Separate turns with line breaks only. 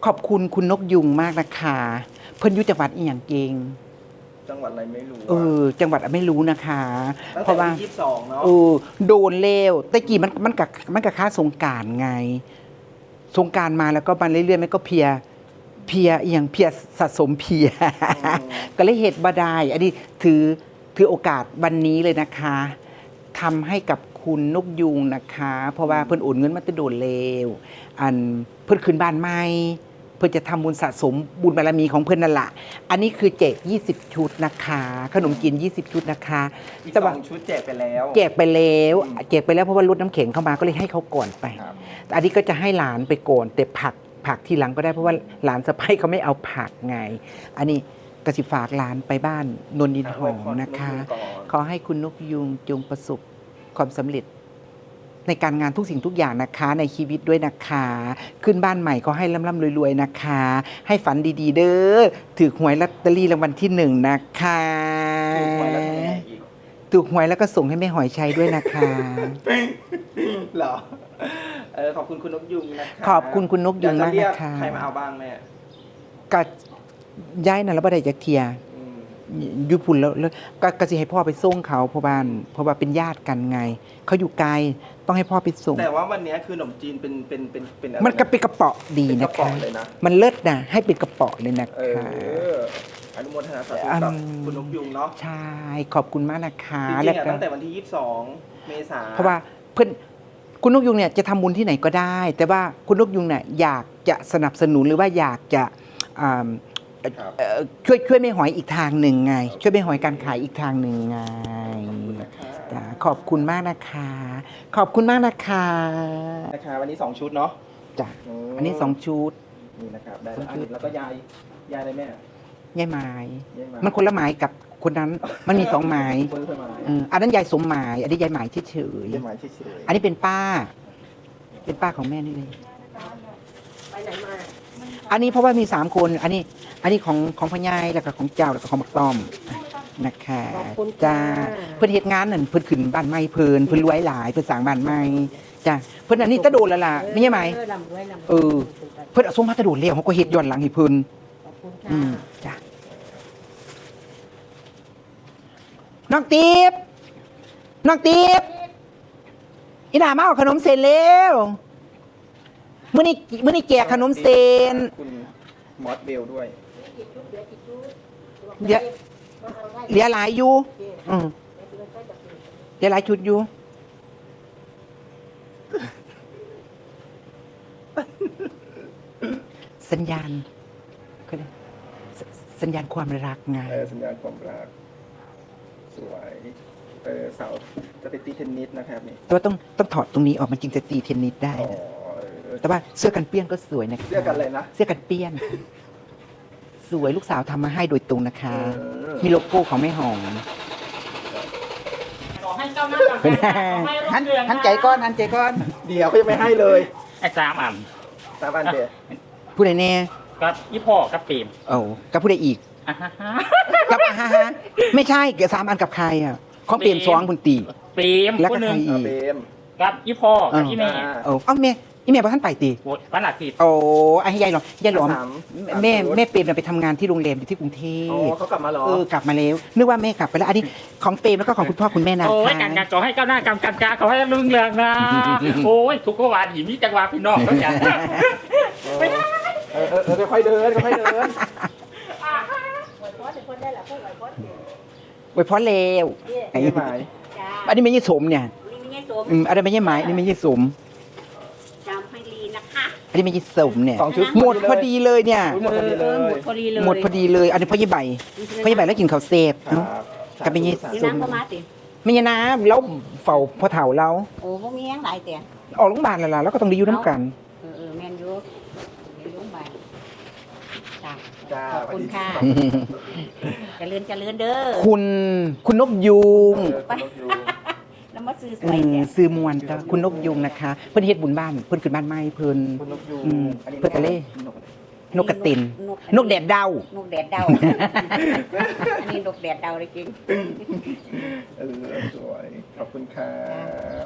ขอบคุณคุณนกยุงมากนะคะเพิ่นอยู่จังหวัดอีหยังเก่ง
จังหวัดอะไรไม่รู้
จังหวัดไม่รู้นะคะ
เพราะว่า22เนาะ
โดนเลวแต่กี้มันกับค่าสงกรานต์ไงสงกรานต์มาแล้วก็มาเรื่อยๆมันก็เพียอย่างเพียสะสมเพียก็เลยเหตุบาดายอันนี้ถือโอกาสวันนี้เลยนะคะทำให้กับคุณนกยุงนะคะเพราะว่าเพิ่นโอนเงินมาจะโดนเลวอันเพิ่นคืนบ้านใหม่เพื่อจะทำบุญสะสมบุญบารมีของเพื่อนนั่นแหละอันนี้คือแจก20 ชุดนะคะขนมจีน20 ชุดนะคะ
อีก2 ชุดแจกไปแล้ว
แจกไปแล้วเพราะว่ารถน้ำแข็งเข้ามาก็เลยให้เขาก่อนไปอันนี้ก็จะให้หลานไปก่อนแต่ผักทีหลังก็ได้เพราะว่าหลานสะใภ้เขาไม่เอาผักไงอันนี้กสิฝากหลานไปบ้านนนดินหอมนะคะขอให้คุณนกยุงจงประสบความสำเร็จในการงานทุกสิ่งทุกอย่างนะคะในชีวิตด้วยนะคะขึ้นบ้านใหม่ก็ให้ร่ำรวยๆนะคะให้ฝันดีๆเด้อถือหวยลอตเตอรี่รางวัลที่1นะคะถูกหวยแล้วก็ส่งให้แม่หอยชัยด้วยนะคะ
เหรอขอบคุณคุณนกยุงนะคะ
ขอบคุณคุณนกยุงมากนะคะ
ใครมาเอาบ้างแม่
ก็ย้ายน่ะแล้วบ่ได้จักเที่ยอยู่พุ่นแล้วก็สิให้พ่อไปส่งเขาเพราะว่าเป็นญาติกันไงเขาอยู่ไกลต้องให้พ่อไปส่ง
แต่ว่าวันนี้คือขนมจีนเป็น
มันก็เป็นกระเป๋าดีนะคะมันเลิศนะให้เป็นกระเป๋าเลยนะคะ
อนุโมทนาสาธุกับคุณนกยุงเนาะ
ใช่ขอบคุณมากนะคะ
จริงๆตั้งแต่วันที่22 เมษายน
เพราะว่าเพื่อนคุณนกยุงเนี่ยจะทำบุญที่ไหนก็ได้แต่ว่าคุณนกยุงเนี่ยอยากจะสนับสนุนหรือว่าอยากจะช่วยแม่หอยอีกทางหนึ่งไงช่วยแม่หอยการขายอีกทางหนึ่งไงขอบคุณมากนะคะขอบคุณมากนะคะ
วันนี้2 ชุดเนาะ
จ้ะอันนี้2 ชุด
นี่นะครับได้แล้วก็ยายอะไรแม่
ยายไม้มันคนละไม้กับคนนั้นมันมี2 ไม้อันนั้นยายสมหมายอันนี้ยายหมายเฉยๆอันนี้เป็นป้าของแม่นี่เลย
ไปไหนมา
อันนี้เพราะว่ามี3 คนอันนี้ของพ่อใหญ่แล้วก็ของเจ้าแล้วก็ของบักต้อมนะคะจ้าเพิ่นเฮ็ดงานนั่นเพิ่นขึ้นบ้านใหม่เพิ่นรวยหลายเพิ่นสร้างบ้านใหม่จ้าเพิ่นอันนี้ตะโดดแล้วล่ะไม่ใช่ไหมเพิ่นเอาส่งมาตะโดดแล้วเขาก็เฮ็ดย้อนหลังให้เพิ่นจ้าน้องติ๊บอีหน่ามาเอาขนมเส้นเร็วมื้อนี้แจกขนมเส้น
คุณมอสเบลด้วย
เหลือหลายอยู่เหลือหลายชุดอยู่สัญญาณความรักไง
สัญญาณความรักสวยเสาจะไปตีเทนนิสนะครับนี่
แต่ว่าต้องถอดตรงนี้ออกมันจึงจะตีเทนนิสได้แต่ว่าเสื้อกันเปี้ยนก็สวยนะคะ
เสื้อกันอะไรนะ
เสื้อกันเปี้ยนสวยลูกสาวทำมาให้โดยตรงนะคะมีโลโก้ของแม่หอม
ขอให้เจ้าหน้า
หันใจก้อน
เดี๋ยวเขาจะไม่ให้เลย
ไอ้3 อัน
เดียว
ผู้ใดแน่
กับยี่พ่อกับปีม
กับผู้ใดอีกกับไม่ใช่เกี่ยว3 อันกับใครอ่ะของเปรม2คุณตี
ปีม
แล้วก็ใครอีก
กับยี่พ่อกับยี่แม่
แม่อีแม่บอกท่านไปตี
วันอาทิตย์
ไอ้ยายหลอมแม่เปรมไปทำงานที่โรงแรมอยู่ที่กรุงเทพ
เขากลับมาหร
อกลับมาแล้วนึกว่าแม่กลับไปแล้วอันนี้ของเปรมแล้วก็ของคุณพ่อคุณแม่นะ
การขอให้ก้าวหน้าการขอให้รุ่งเรืองนะโอ้ยทุกวันหญิงมีจังหวะพี่น้องก็อย่าง
ค่อยเดิน
ไว้พอเลว
อันนี้
ไม่ใช่สมเนี่ยอันนี้ไม่ใช่ไม้อันนี้ไม่ใช่สมอันนี้ไม่ใช่สมเนี่ยหมดพอดีเลยเนี่ย
หมดพอดี
เลยอันนี้พ่อยี่ใบแล้วกินข้าวเสพกับไม่ใช่สมไม่ใช่น้ำแล้วเฝ้าพ่อเฒ่าเรา
โอ้พวกนี้ยังหลายแต่
ออกโรงพยาบาลแล้วก็ต้องได้อยู่น้ำกัน
แมนยูโรงพยาบาลขอบคุณค่ะเจริญเด้อ
คุณนกยุง
แล้วมา
ซื้อมวนจ้ะคุณนกยุงนะคะเพิ่นเฮ็ดบุญบ้านเพิ่นขึ้นบ้านใหม่เพิ่นกะเล่นกกระตินนกแดดดาว
อันนี้นกแดดดาวเลยจริง
สวยขอบคุณค่ะ